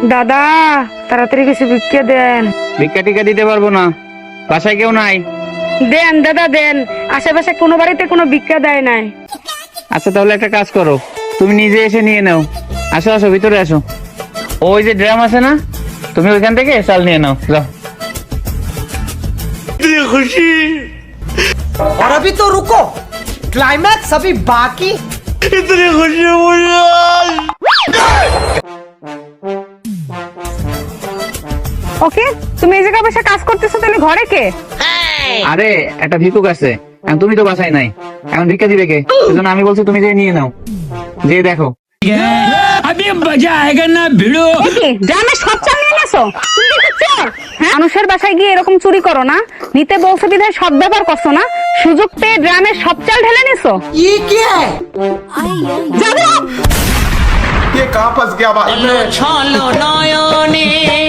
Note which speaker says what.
Speaker 1: দাদা তাড়াতাড়ি কিছু ভিক্ষা দেন।
Speaker 2: ভিক্ষা টিকা দিতে পারবো না, বাসায় কেউ নাই।
Speaker 1: দেন দাদা দেন, আশেপাশে কোনো বাড়িতে কোনো ভিক্ষা দেয় নাই।
Speaker 2: আচ্ছা তাহলে একটা কাজ করো, তুমি নিজে এসে নিয়ে নাও। আসো আসো ভিতরে আসো, ওই যে ড্রাম আছে না, তুমি ওইখান থেকে চাল নিয়ে নাও, যাও।
Speaker 3: खुशी
Speaker 4: और अभी तो रुको, क्लाइमैक्स अभी बाकी।
Speaker 3: इतनी खुशी मुझे आज।
Speaker 1: ওকে, তুমি এই জায়গায় বসে কাজ করতেছো, তাহলে ঘরে কে?
Speaker 2: আরে একটা ভিক্ষুক আছে, এখন তুমি তো বাসায় নাই, এখন ভিক্ষা দিবে কে? সেজন্য আমি বলছি তুমি যে নিয়ে নাও, যে দেখো।
Speaker 1: কি ড্রামে সব চাল নিয়ে নেছো? তুমি কি চোর? হ্যাঁ, মানুষের বাসায় গিয়ে এরকম চুরি করো না, নিতে বলছো বিধায় সব ব্যাপার করছো না, সুযোগ পেয়ে ড্রামে সব চাল ঢেলে নিছো।
Speaker 4: ये क्या है?
Speaker 1: যাবো।
Speaker 5: ये कहाँ फंस गया भाई मैं?
Speaker 6: ছলো নয়নে